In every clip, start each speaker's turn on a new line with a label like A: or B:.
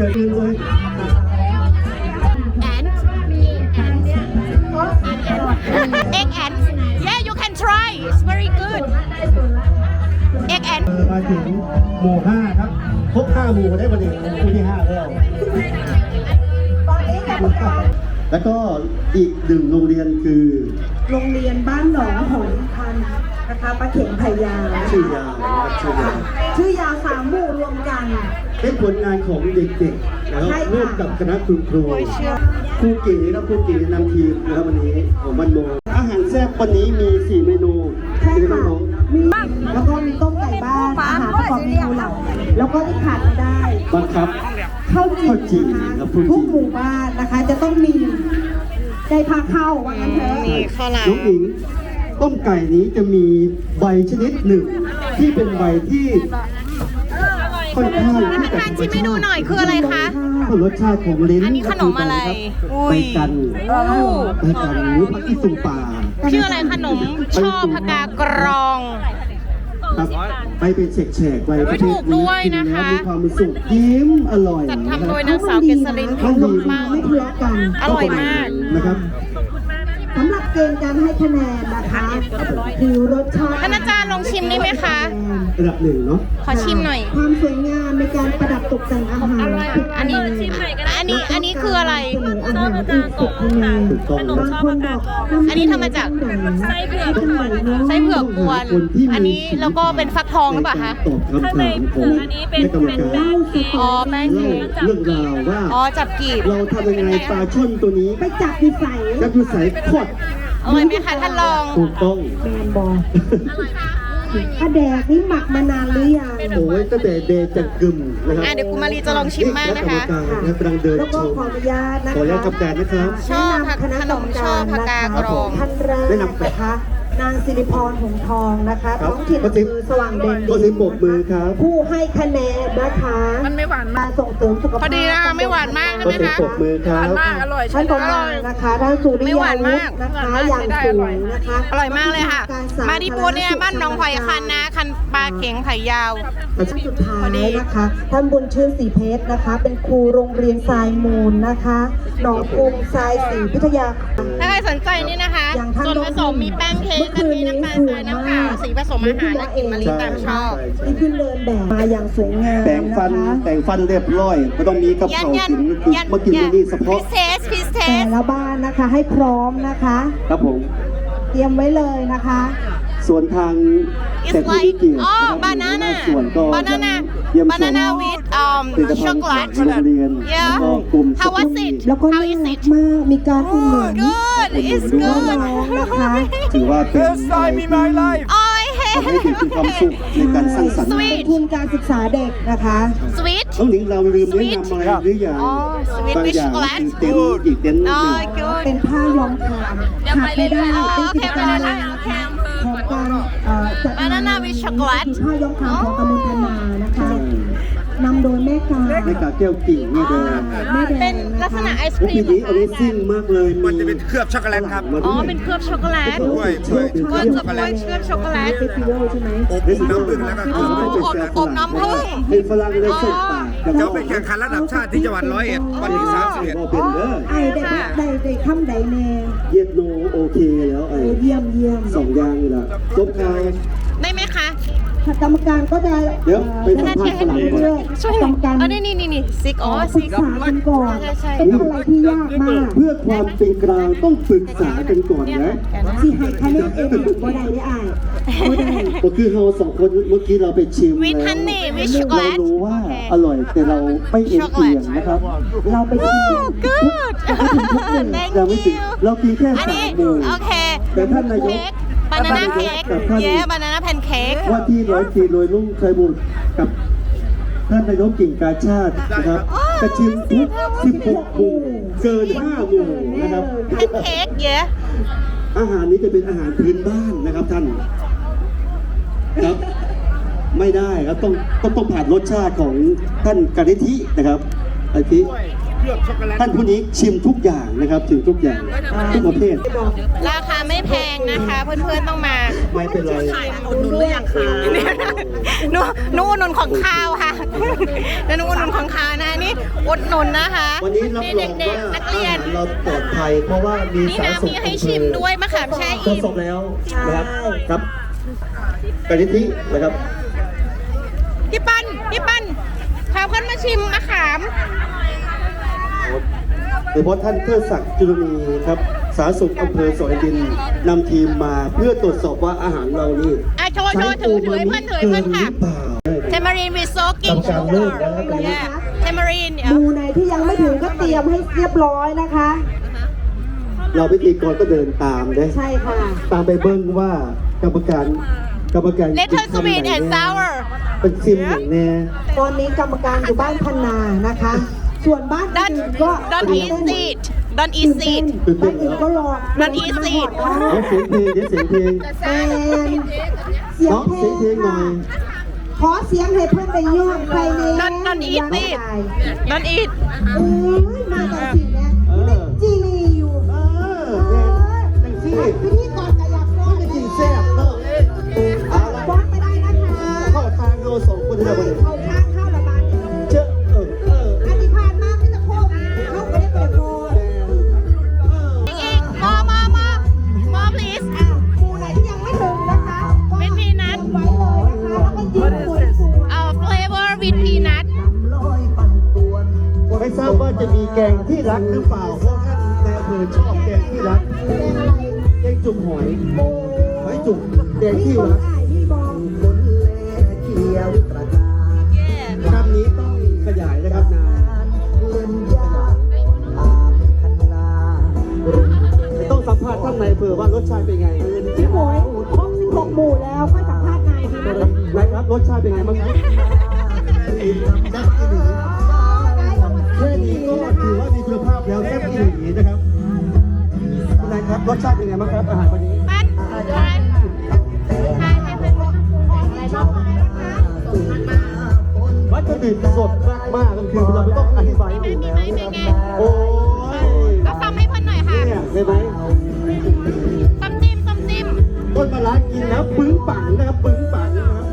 A: ชิญเลย
B: and egg and yeah you can try it's very good egg and
A: มาถึงหมู่5ครับครบ5หมู่ได้วันนี้หมู่ที่5แล้วแล้วก็อีก1โรงเรียนคือ
C: โรงเรียนบ้านหนองหอยพันนะคะปลาเข็งไผ่ยาว
A: ชื่อยาวนะครับ
C: ชื่อยาว3 หมู่รวมกัน
A: เป็นผลงานของเด็กๆนะครับร่วมกับคณะครูครูเก๋ครับครูเก๋นำทีมนะครับวันนี้ของบ้านโมอาหารแซ่บวันนี้มี4เมนู
C: ใช่ค่ะมีแล้วก็มีต้มไก่บ้านอาหารประกอบเมนูหลักแล้วก็ที่ขาดไม่ได้
A: บังคับ
C: ข้าวจี่นะคะทุกหมู่บ้านนะคะจะต้องมีได้พาเข้าว่างั้นเถอะ
B: มีข้าวหลาม
A: น้องอิงต้มไก่นี้จะมีใบชนิดหนึ่งที่เป็นใบที่ค่อนข้างที่จะ
B: ชิมให้ดูหน่อยคืออะไรคะ
A: รสชาติของลิ้น
B: อันนี้ขนมอะไร
A: ไปกันหรือผักอีสูป่า
B: ชื่ออะไรขนมช่อผักกากรอง
A: ครับไปเป็นแฉกๆไว้
B: ไม่ถูกด้วยนะคะ
A: มีความสุขยิ้มอร่อย
B: จัดทำโดยนางสาวเกษรินทร์พิมพ์มากอร่อยมาก
A: นะครับ
C: สำหรับเกณฑ์การให้คะแนนนะคะคือรสชาติ
B: ท่านอาจารย์ลองชิมได้ไหมคะ
A: ระดับ1เนาะ
B: ขอชิมหน่อย
C: ความสวยงามในการประดับตกแต่งอาหาร
B: อันนี้คืออะไร
C: อาหารอีก10คะแนนบางคนบอก
B: อันนี้ทำมาจากไส้เผือกกวนอันนี้แล้วก็เป็นฟักทองหรือเปล่าคะ
A: ข้างใน
D: อันนี้เป็นแป้งเค้ก
B: อ๋อแป้งเค้ก
A: เรื่องราวว่า
B: อ๋อจับกีบ
A: เราทำยังไงปลาช่อนตัวนี้
C: ไปจับดิใส่
A: ขด
B: อร่อยไหมคะท่านลอง
A: ถูกต้อง
C: แมนบอลกระแดกนี่หมักมานานหรือยัง
A: โอ้ยตั้งแต่เดจังกึมนะครับ
B: เดี๋ยวกุมารีจะลองชิมมากนะคะ
A: กำลังเดิน
C: แล้วก็ขออนุญาตนะคะ
A: ขออนุญาตทำการนะครับ
B: ชอบขนมชอบผักกากรอง
C: ท่านแรกนะคะนางสิริพรหงทองนะคะท้องถิ่นคือสว่างเด่น
A: ก็สิบปกมือครับ
C: ผู้ให้คะแนนนะคะ
B: มันไม่หวาน
C: มาส่งเสริมสุขภาพ
B: พอดีนะไม่หวานมากใช่ไหมคะ
A: ปกมือครับ
B: อร่อย
C: ท่านต่อมานะคะท่านสุริยาวุฒินะคะอย่างสวยนะคะ
B: อร่อยมากเลยค่ะมาที่ปูเนี่ยบ้านน้องไผ่คันนะคันปลาเข็งไผ่ยาว
C: สุดท้ายนะคะท่านบุญชื่นศรีเพชรนะคะเป็นครูโรงเรียนทรายมูลนะคะหนองกรุงทรายศรีพิทยา
B: ถ้าใครสนใจนี่นะคะส่วนผสมมีแป้งเค้กกะทิน้ำตาลทรายน้ำเปล่าสีผสมอาหารและกลิ่นมะลิตามชอบ
C: ที่ขึ้นเดินแบบมาอย่างสวยงาม
A: แต่งฟันเรียบร้อยก็ต้องมีกับเขากินมากินนี่เฉพาะ
C: แต่ละบ้านนะคะให้พร้อมนะคะ
A: ครับผม
C: เตรียมไว้เลยนะคะ
A: ส่วนทาง
B: แต่ผู้ที่เกี่ยวกับบานาน่าwith chocolate yeah how was it
C: แล้วก็น่ารักมากมีการอุ่นหนุน
B: good it's good
C: นะคะ
A: ถือว่าเป็นทำให้เด็กมีความสุขในการสร้างสรรค์
C: ทุนการศึกษาเด็กนะคะ
B: sweet
A: น้องหนิงเราลืมแนะนำอะไรหรือยังบางอย่างคืออีกเต็นท์
C: เป็นผ้าย้อมคามขาดไม่ได้เป็นกิจกรรมของการจัดงานผ้าย้อมคามของตำบลพนานะคะนำโดยแม่กา
A: แก้วกิ่งนี่เลย
B: เป็นลักษณะไอศครีม
A: นี้อเมซิ่งมากเลย
D: มันจะเป็นเคลือบช็อกโกแลตครับ
B: อ๋อเป็นเคลือบช็อกโกแลต
D: ด้วย
B: เคลือบช็อกโกแลต
C: ใช่ไหม
D: อบน้ำผึ้งแล้วก็
B: อบน้ำผึ้ง
A: เป็นฝรั่งเลยส่งปาก
D: จะไปแข่งขันระดับชาติที่จังหวัด101วันที่31
C: ไอ้ได้คำใดแน่
A: เย็ดโนโอเคแล้ว
C: เยี่ยม
A: 2อย่างนี่แหละจบข่าว
B: ได้ไหมคะ
C: กรรมการก็จะ
A: เดี๋ยวไปสัมภาษณ์ฝรั่งก่อน
B: ช่วยกรรมการนี่ซิก
C: ปรึกษากันก่อนเป็นอะไรที่ยากมาก
A: เพื่อความเป็นกลางต้องปรึกษากันก่อนนะ
C: ที่ให้คะแนนเองบ่ได้ได้อ่านบ่ได้
A: ก็คือเรา2คนเมื่อกี้เราไปชิม
B: แล้ว
A: เรารู้ว่าอร่อยแต่เราไม่เอ็นเอียงนะครับ
C: เราไปชิม
A: เราไม่ถึงเรากินแค่3 มื้อ
B: โอเค
A: แต่ท่านนายก
B: บานาน่าเค้กบานาน่าแพนเค้ก
A: ว่าที่104โดยลุงชัยบุตรกับท่านนายกกิ่งกาชาตินะครับกระชิมทุก16 หมู่เกิน5 หมู่นะครับ
B: แพนเค้ก
A: อาหารนี้จะเป็นอาหารพื้นบ้านนะครับท่านครับไม่ได้ครับต้องผ่านรสชาติของท่านกนิธินะครับไอทิท่านผู้นี้ชิมทุกอย่างนะครับชิมทุกอย่างทุกประเภท
B: ราคาไม่แพงนะคะเพื่อนๆต้องมา
A: ไม่เป็นไร
B: อุดหนุนหรือยังคะหนูหนูอุดหนุนของข้าวค่ะหนูอุดหนุนของข้าวนะนี่อุดหนุนนะคะ
A: วันนี้รับรอง
B: เด็ก
A: ว่า
B: ๆนัก
A: อา
B: เรีย
A: หาน รเราปลอดภัยเพราะว่ามี
B: นี่
A: สาร
B: นะ
A: ส
B: มีให้ชิมด้วยมะขามแช่
A: ทด
B: อิ่ม
A: สอบแล้วนะครับครับกะทินะครับ
B: พี่ปั้นพาเพื่อนมาชิมมะขาม
A: โดยเฉพาะท่านเทิดศักดิ์จุลมีครับสาธารณสุขอำเภอสอยดินนำทีมมาเพื่อตรวจสอบว่าอาหารเรานี่
B: อ่ะโชว์ถือให้เพื่อนถือให้เพื่อนค่ะ เทมารีนวิโซกิ้ง
A: กรรมการเลิกแล้วครับ
B: เทมารีน
C: หมู่ไหนที่ยังไม่ถึงก็เตรียมให้เรียบร้อยนะคะ
A: เราพิธีกรก็เดินตามนะ
C: ใช่ค่ะ
A: ตามไปเบิ้งว่ากรรมการ
B: เลเทอร์สวีทแอนด์ซาวร์
A: เป็นซิมอย่างแน่
C: ตอนนี้กรรมการอยู่บ้านพันนานะคะ ส่วนบ้านอื่นก็
B: Don't eat seed Don't eat seed
A: ตื่น
C: บ้า
A: เต้
C: น
A: น
C: อื่น
A: แล้ว
C: ก็รอ
B: Don't eat seed
A: เดี๋ยวเสียงเพลงเดี๋ยวเสียงเพลง
C: แอนเสียง
A: น้อง
C: เพล
A: เสียง
C: ง
A: เพลงหน่อ
C: ค่ะ
A: ย
C: ขอเสียงให้เพื่อนไปย่องใครใน
B: Don't eat seed Don't eat
C: โอ้ยมาแต่สิ่งเนี้ยจีรีอยู่
A: เออแม่จังซี่
C: พิธีกรกระยับร้อน
A: ไม่กินแซ่บเนาะเอาละ
C: ร้อนไม่ได้นะคะ
A: เข้าทางเราสองคนที่เราไป
C: เขาข้างเข้าระบาด
A: เจอ
C: อันที่ผ่านมาที่จะโค้งเข้าไปได้เปิดโค้ง
B: อีก more please
C: หมู่ไหนที่ยังไม่ถึงนะคะก็
B: เป็นพีนัท
C: ไว้เลยนะคะแล้วก็ยืนคุย
B: flavor with peanut
A: ไม่ทราบว่าจะมีแกงที่รักหรือเปล่าเพราะท่านในอำเภอชอบแกงที่รักแกงจุ่มหอยจุ่มแกงที่รัก
C: ที่มอง
A: คำนี้ต้องขยายนะครับนายต้องสัมภาษณ์ท่านในอำเภอว่ารสชาติเป็นไง
C: พี่หมวยครบ16 หมู่แล้วค่อยสัมภาษณ์นายดีไหม
A: นายครับรสชาติเป็นไงบ้างครับแซ่บอีหลีแค่นี้ก็ถือว่ามีคุณภาพแล้วแซ่บอีหลีนะครับคุณนายครับรสชาติเป็นไงบ้างครับอาหารวันนี้
B: ปั้นให้เพื่อนอะไรบ้าง
A: วัตถุดิบสดมากๆก็คือเราไม่ต้องอธิบายให้ดูแล้วนะครับโอ้ย
B: เอาซ้ำให้เพื่อนหน่อยค่ะ
A: เนี่ยเห็นไหม
B: ซ้ำจิ้ม
A: ต้นมะระกินแล้วปึ้งปังนะครับปึ้งปังนะครับ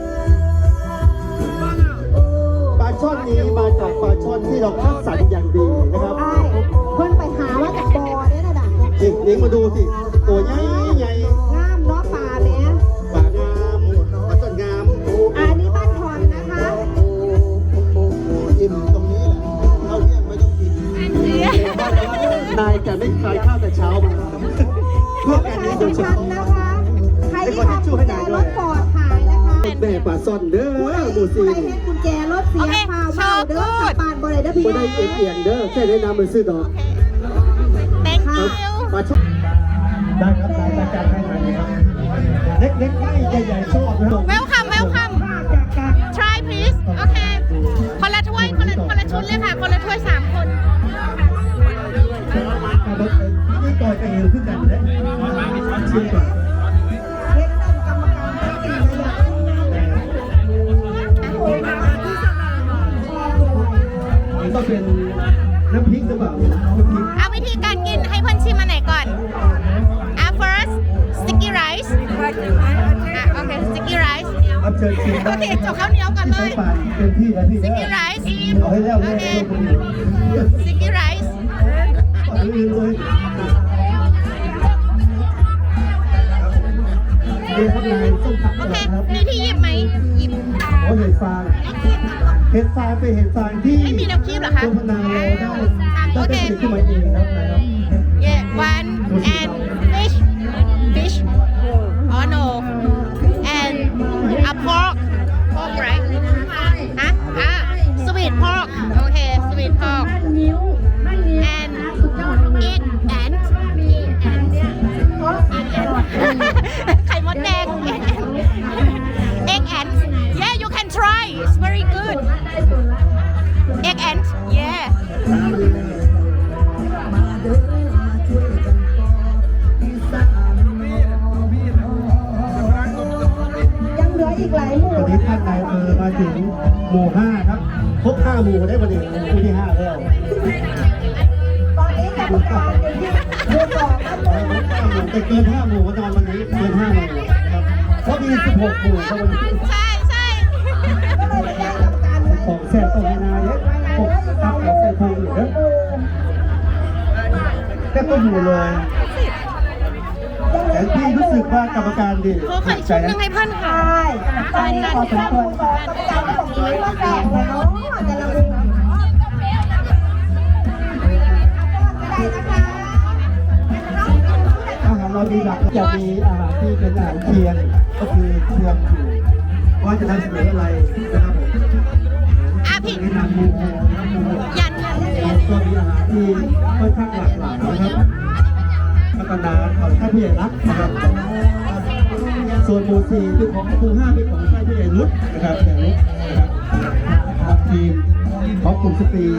A: ปลาช่อนนี้มาจากปลาช่อนที่เราคัดสรรอย่างดีนะครับ
C: ใช่เพื่อนไปหาว่าจากบ่อเนี่ยนะดัก
A: เด็กๆมาดูสิตัวใหญ่ใหญ่
C: งามเนาะป่าเนี้ย
A: ปลางามปลาช่อนงาม
C: อันนี้บ้านทอนนะคะ
A: อิ่มตรงนี้แหละเราเนี่ยไม่ต้องกินนายจะไม่ทานข้าวแต่เช้ามาเพื่อการนี้โดยเฉ
C: ชัน
A: พาะ
C: นะคะ ใครที่ทำกุญแจรถฟอร์ดขายนะคะ
A: แม่ปลาซ่อนเด้อ
C: ผู้ใด
A: หมูซี
C: เห็นกุญแจรถเสียพาวเมาเด้อกลับบ้านบ่ได้เด้อพี่
A: บ่ได้เอียงเด้อแค่ได้นำมือซื้อดอก
B: thank you
A: ปลาช่อนได้ครับได้ประกันให้ไหนครับเล็กๆไม่ใหญ่ๆชอบนะครับ
B: welcome try please โอเคคนละถ้วยคนละชุดเลยค่ะคนละถ้วย3 คน
A: นี่ก่อนจะหิวขึ้นกันเลยชิมก่อนมันต้องเป็นน้ำพริกหรือเปล่าน้ำพริก
B: เอาวิธีการกินให้เพื่อนชิมมาไหนก่อนfirst sticky rice โอเค sticky rice
A: เอาเชิญชิม
B: โอเคจบข้าวเหนียวก่อนเลย
A: ปากเต็มที่แล้วพี่
B: sticky rice
A: เอาให้แล้ว
B: โอ
A: เลย
B: เค sticky rice
A: ปากลืมเลยเดี๋ยวครับนายส้มผัก
B: โอเค
A: ครับ
B: มีที่หยิบไหมหยิบ
A: โอ้เห็ดฟางเห็ดฟางเป็นเห็ดฟางที่
B: ไม่มีน้ำจิ้มเหรอคะ
A: โฆษณาเราได้
B: โอเค
A: ได้ผลิตขึ้นมาเองครับนะครับ
B: yeah one and fish oh no and a pork right ฮะsweet pork โอเค sweet pork and egg and ไข่มดแดง egg and yeah you can try it's very good egg and yeah
C: ยังเหลืออีกหลายหมู่
A: ตอนนี้ท่านนายมาถึงหมู่ 5 ครับ ครบ 5 หมู่ได้วันนี้หมู่ที่ 5 แล้ว
C: ตอนนี้กรรมการอยู่ที่หมู่2ครับ
A: แต่เกิน 5 หมู่ก็นอนวันนี้เกิน 5 หมู่ครับเพราะมี 16 หมู่ครับวันนี้
B: ใช่
A: นตรงนายเนี่ยปกตับใส่พุงอยู่นะแค่ก็อยู่เลยแต่พี่รู้สึกว่ากรรมการดี
B: เขาเคยชุดยังไงเพื่อนค่ะ
C: ใช่ตอนนี้ขอสมควรกรรมการก็บอกนี้ว่าแปลกเลยเนาะแต่ละมุม
A: อาหารเรามีหลักจะมีอาหารที่เป็นอาหารเคียงก็คือเคียงอยู่ว่าจะนำเสนออะไรนะครับผม
B: อ่ะพี่
A: แนะนำหมูโฮนะครับหมูโฮ
B: ยัน
A: ก็มีอาหารที่ค่อนข้างหลากหลายนะครับพัฒนาของท่านผู้ใหญ่รักนะครับส่วนหมู่4เป็นของหมู่5เป็นของท่านผู้ใหญ่รุดนะครับผู้ใหญ่รุดนะครับทีมของกลุ่มสตรี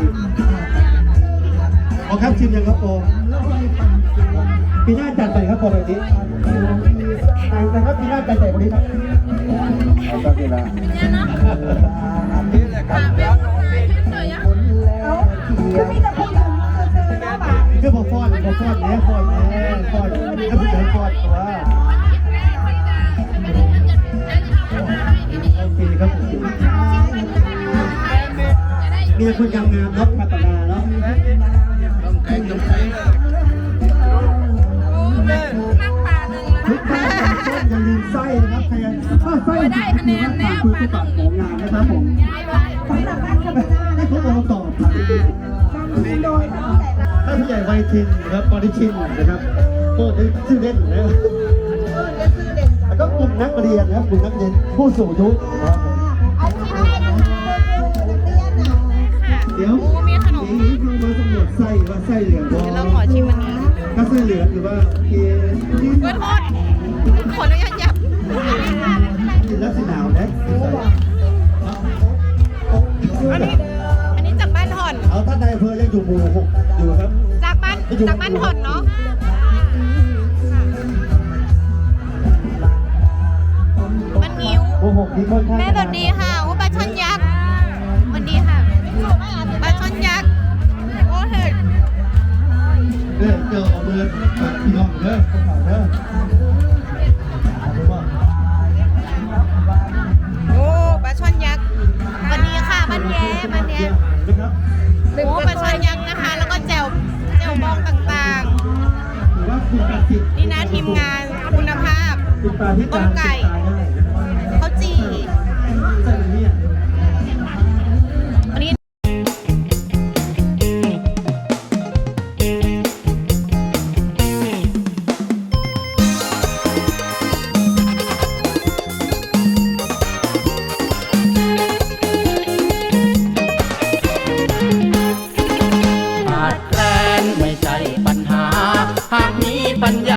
A: ขอครับทีมยังครับโปปีหน้าจัดไปครับโปแบบนี้แต่ครับปีหน้าจัดใหญ่กว่านี้ครับตอนเวลา
C: คือมีแต่คนอื่นซื้อๆนะบ่า
A: คือพอฟอนเนี่ยฟอนแล้วผู้ใหญ่ฟอนตัวโอเคครับผมมีแต่คนงามๆเนาะพัฒนาเนาะทุกท่านอย่าลืมไส้นะครับใครถ้าไส้ได้คะแนนแล้วคือตัวตัดของงานนะครับผม
C: สำหรับบ้านคาร์บนา
A: ให้พวกเราตอบครับ
C: โดยท่านผู้ใหญ่รัก
A: ท่านผู้ใหญ่ไวทินนะครับบอดี้ชินนะครับโอ้ได้ชื่อเล่นนะ
C: และชื่อเด่น
A: แล้วก็กลุ่มนักเรียนนะครับกลุ่มนักเรียนผู้สูงอายุนะครับผม
C: เอาที่ให้นักเรียนน่ะ
A: เดี๋ยว
B: โอ้มีขนม
A: นี้เรามาสำรวจไส้ว่าไส้เหลือง
B: เดี๋ยวเราขอชิมอันนี้
A: ถ้าไส้เหลืองหรือว่าเกลือ
B: เพื่อนโทษขออนุญาตยับ
A: กินแล้วสีหนาวนะ
B: อันนี้จากบ้านห่อน
A: เอาท่านนายอำเภอยังอยู่หมู่6อยู่ครับ
B: จากบ้านห่อนเนาะมันงิ้ว
A: หมู่6ที่ค่อนข้าง
B: แม่สวัสดีค่ะว่าปลาช่อนยักษ์สวัสดีค่ะปลาช่อนยักษ์โอ้เห็ด
A: เจอเอามือปัดพี่น้องเด้อพวกเขาเด้อเอาไปว่า
B: โอ้ปลาช่อนยักษ์สวัสดีค่ะบ้านแย้บ้านแย้
A: นะครับ
B: โอ้ปลาช่อนยักษ์นะคะ แล้วก็แจ่วบองต่าง
A: หรือว่าคุณการติด
B: ๆ นี่นะทีมงานคุณภาพ
A: ติดปลาที่
B: ต้มไก่
A: ตายได้นะ